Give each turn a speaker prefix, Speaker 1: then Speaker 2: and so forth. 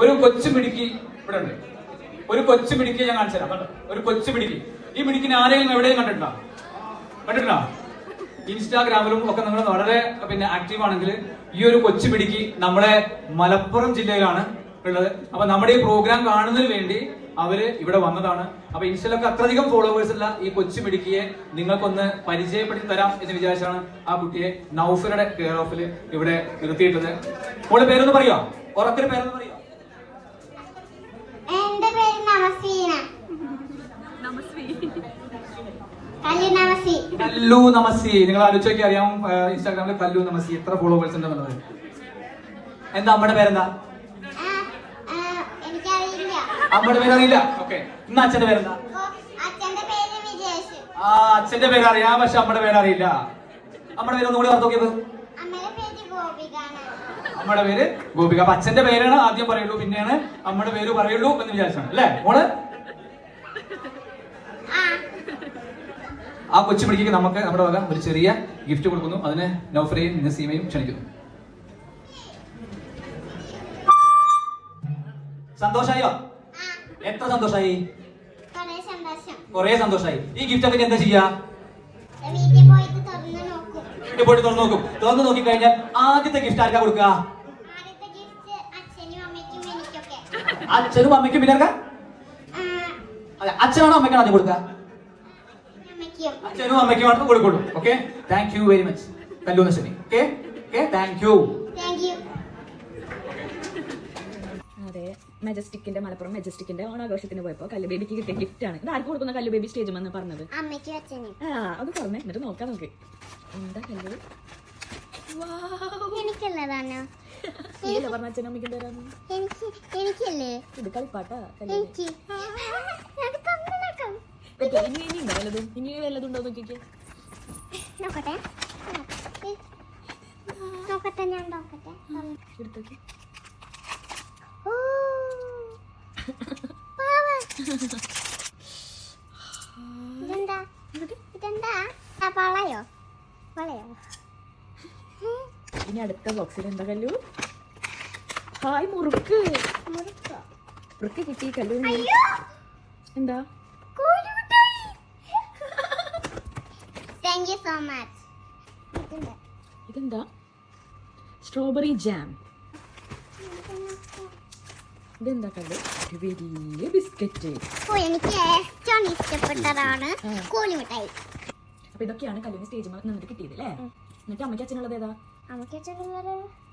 Speaker 1: ഒരു കൊച്ചു മിടുക്കി ഇവിടെ ഉണ്ട്. ഒരു കൊച്ചു മിടുക്കി ഞാൻ കാണിച്ചു തരാം. ഒരു കൊച്ചു മിടുക്കി. ഈ മിടുക്കിന് ആരെങ്കിലും എവിടെയും കണ്ടിട്ടുണ്ടോ? ഇൻസ്റ്റാഗ്രാമിലും ഒക്കെ നിങ്ങൾ വളരെ ആക്റ്റീവ് ആണെങ്കിൽ ഈ ഒരു കൊച്ചു മിടുക്കി നമ്മുടെ മലപ്പുറം ജില്ലയിലാണ് ഉള്ളത്. അപ്പൊ നമ്മുടെ ഈ പ്രോഗ്രാം കാണുന്നതിന് വേണ്ടി അവര് ഇവിടെ വന്നതാണ്. അപ്പൊ ഇൻസ്റ്റയിലൊക്കെ അത്രയധികം ഫോളോവേഴ്സ് ഉള്ള ഈ കൊച്ചു മിടുക്കിയെ നിങ്ങൾക്കൊന്ന് പരിചയപ്പെടുത്തി തരാം എന്ന് വിചാരിച്ചാണ് ആ കുട്ടിയെ നൗഫലയുടെ കെയർ ഓഫിൽ ഇവിടെ നിർത്തിയിട്ടത്. മോളെ പേരൊന്ന് പറയോ? ഉറക്കൊരു പേരൊന്ന് പറയോ?
Speaker 2: എന്റെ പേര്
Speaker 1: കല്ലു നമസി. നിങ്ങൾ ആലോചിച്ചൊക്കെ അറിയാം ഇൻസ്റ്റാഗ്രാമിൽ കല്ലു നമസി എത്ര ഫോളോവേഴ്സ് ഉണ്ടെന്നുള്ളത്. എന്താ അമ്മയുടെ പേരെന്താ? അമ്മയുടെ പേരറിയില്ല. ഓക്കെ, ഇന്ന് അച്ഛന്റെ പേരെന്താ? അച്ഛന്റെ പേര് അറിയാം, പക്ഷെ അമ്മയുടെ പേരറിയില്ല. അമ്മയുടെ പേര് ഒന്നുകൂടി ഓർത്ത് നോക്കിയത്. അമ്മയുടെ പേര് ഗോപിക. അപ്പൊ അച്ഛന്റെ പേരാണ് ആദ്യം പറയുള്ളൂ, പിന്നെയാണ് അമ്മയുടെ പേര് പറയുള്ളൂ എന്ന് വിചാരിച്ചാണ് അല്ലേ മോള്? ആ കൊച്ചു പിടിക്ക് നമുക്ക് നമ്മുടെ വക ഒരു ചെറിയ ഗിഫ്റ്റ് കൊടുക്കുന്നു. അതിന് നൗഫലയും നസീമയും ക്ഷണിക്കുന്നു. സന്തോഷായോ? എത്ര സന്തോഷായി? കൊറേ സന്തോഷായി. ഈ ഗിഫ്റ്റ് ഒക്കെ എന്താ ചെയ്യാ? വീട്ടിൽ പോയിട്ട് തുറന്നു നോക്കും. തുറന്നു നോക്കി കഴിഞ്ഞാൽ ആദ്യത്തെ ഗിഫ്റ്റ് ആർക്കാ കൊടുക്കുക? അച്ഛനും അമ്മയ്ക്കും. പിന്നെ അതെ, അച്ഛനാണോ അമ്മയ്ക്കാണോ ആദ്യം കൊടുക്കുക? അച്ഛനും അമ്മയ്ക്കുമാണ് കൊടുക്കുള്ളൂ. Okay, thank you very much Kallu Naseemi. Okay, thank you.
Speaker 3: അതെ, മലപ്പുറം മെജസ്റ്റിക്കിന്റെ ഓണാഘോഷത്തിന് പോയപ്പോ കല്ലു ബേബിക്ക് കിട്ടിയ ഗിഫ്റ്റ് ആണ്. ഇത് ആർക്ക് കൊടുക്കുന്ന കല്ലു ബേബി സ്റ്റേജ് എന്ന് പറഞ്ഞത്? അത് പറഞ്ഞേ, എന്നിട്ട് നോക്കാം നമുക്ക്. എന്താ കല്ലു? പറഞ്ഞ അച്ഛനും അമ്മയ്ക്കും തരാന്ന്. ഇത് കളിപ്പാട്ടാ. ഇനി വല്ലതുണ്ടോ നോക്കിക്കേ. എടുത്തോക്കെ. ഇനി അടുത്ത ബോക്സിൽ എന്താ കല്ലു? ഹായ്, മുറുക്ക് കിട്ടി കല്ലു. എന്താ? ഇതെന്താ? Strawberry jam. ഇതെന്താ കല്ലു? വലിയ ബിസ്ക്കറ്റ്.
Speaker 2: എനിക്ക് ഏറ്റവും ഇഷ്ടപ്പെട്ടതാണ് കോഴിമിഠായി.
Speaker 3: അപ്പൊ ഇതൊക്കെയാണ് കല്ലുവിന് സ്റ്റേജ് നിന്നിട്ട് കിട്ടിയത് അല്ലേ? എന്നിട്ട് അമ്മയ്ക്ക് അച്ഛനുള്ളത് ഏതാ?
Speaker 2: അമ്മയ്ക്ക് അച്ഛനുള്ളത്